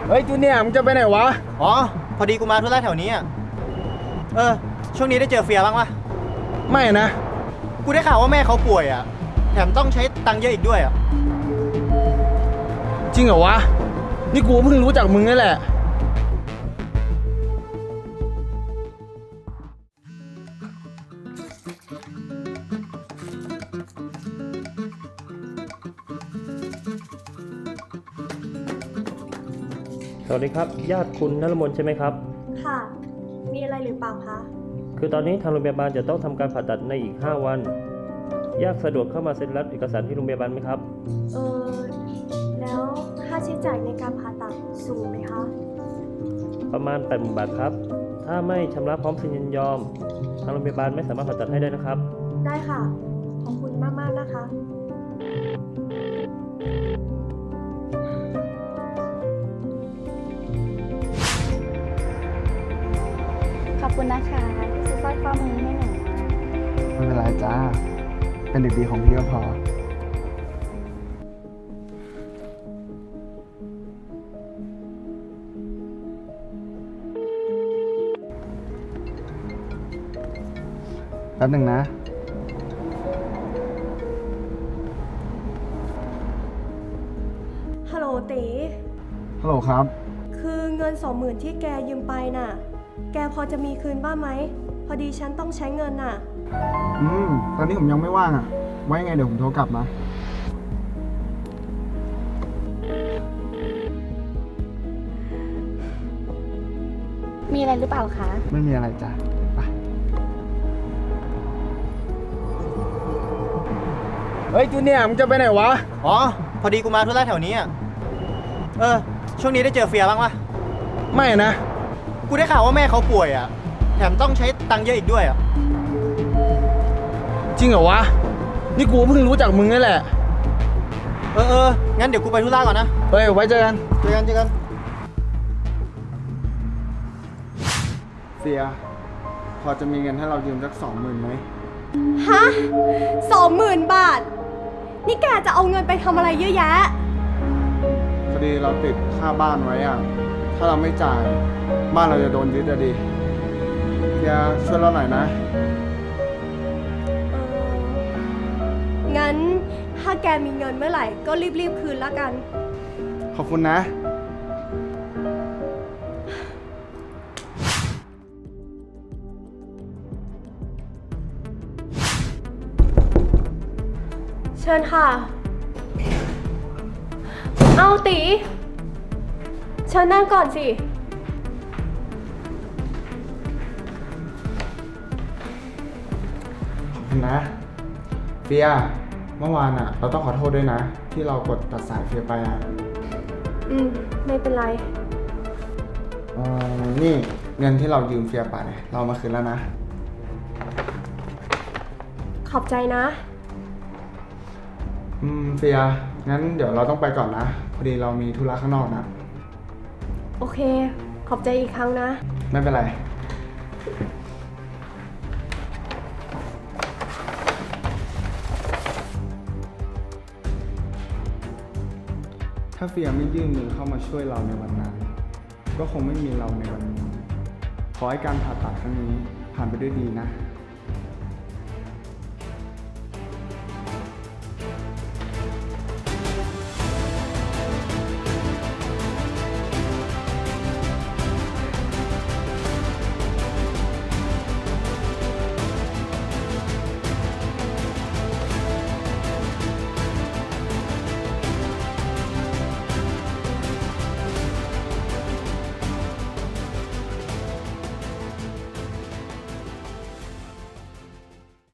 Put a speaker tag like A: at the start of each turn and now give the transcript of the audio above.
A: เฮ้ยจูเนียร์มึงจะไปไหนวะ
B: อ๋อพอดีกูมาธุระแถวนี้อ่ะช่วงนี้ได้เจอเฟียบ้างปะ
A: ไม่นะ
B: กูได้ข่าวว่าแม่เขาป่วยอ่ะแถมต้องใช้ตังค์เยอะอีกด้วยอ่ะ
A: จริงเหรอวะนี่กูเพิ่งรู้จักมึงนี่แหละ
C: สวัสดีครับญาติคุณนฤมลใช่ไหมครับ
D: ค่ะมีอะไรหรือเปล่าคะ
C: คือตอนนี้ทางโรงพยาบาลจะต้องทำการผ่าตัดในอีก5 วันญาติสะดวกเข้ามาเซ็นรับเอกสารที่โรงพยาบาลไหมครับ
D: แล้วค่าใช้จ่ายในการผ่าตัดสูงไหมคะ
C: ประมาณ 80,000 บาทครับถ้าไม่ชำระพร้อมเซ็นยินยอมทางโรงพยาบาลไม่สามารถผ่าตัดให้ได้นะครับ
D: ได้ค่ะขอบคุณมากๆนะคะ
E: ขอบคุณนะคะซื้อสร้อยข้อมือให้หนู
F: ไม่เป็นไรจ้า เป็นเด็กดีของพี่ก็พอ แป๊บหนึ่งนะ
D: ฮัลโหลตี
F: ฮัลโหลครับ
D: คือเงิน20,000ที่แกยืมไปน่ะแกพอจะมีคืนบ้างไหมพอดีฉันต้องใช้เงินน่ะ
F: ตอนนี้ผมยังไม่ว่างอ่ะ ไว้ไงเดี๋ยวผมโทรกลับนะ
E: มีอะไรหรือเปล่าคะ
F: ไม่มีอะไรจ้ะไป
A: เฮ้ยจูเนียร์มึงจะไปไหนวะ
B: อ๋อพอดีกูมาธุระแถวนี้อ่ะช่วงนี้ได้เจอเฟียบ้างปะ
A: ไม่นะ
B: กูได้ข่าวว่าแม่เขาป่วยอ่ะแถมต้องใช้ตังค์เยอะอีกด้วยอ่ะ
A: จริงเหรอวะนี่กูเพิ่งรู้จักมึงนี่แหละ
B: งั้นเดี๋ยวกูไปธุระก่อนนะ
A: เฮ้ยไว้เจอกัน
B: เจอกัน
F: เสีย พอจะมีเงินให้เรายืมสัก20,000ไหม
D: ฮะ20,000 บาทนี่แกจะเอาเงินไปทำอะไรเยอะแยะ
F: พอดีเราติดค่าบ้านไว้อ่ะ ถ้าเราไม่จ่ายบ้านเราจะโดนยึดอะดิเสียช่วยเราหน่อยนะ
D: งั้นถ้าแกมีเงินเมื่อไหร่ก็รีบคืนละกัน
F: ขอบคุณนะ
D: เชิญค่ะเอาตีเชิญนั่งก่อนสิ
F: ขอบคุณนะเฟียเมื่อวานอ่ะเราต้องขอโทษด้วยนะ ที่เรากดตัดสายเฟียไปอ่ะ
D: ไม่เป็นไร
F: นี่เงินที่เรายืมเฟียไปเรามาคืนแล้วนะ
D: ขอบใจนะ
F: เฟียงั้นเดี๋ยวเราต้องไปก่อนนะพอดีเรามีธุระข้างนอกนะ
D: โอเคขอบใจอีกครั้งนะ
F: ไม่เป็นไรถ้าเฟียไม่ยื่นมือเข้ามาช่วยเราในวันนั้นก็คงไม่มีเราในวันนี้ขอให้การผ่าตัดครั้งนี้ผ่านไปด้วยดีนะ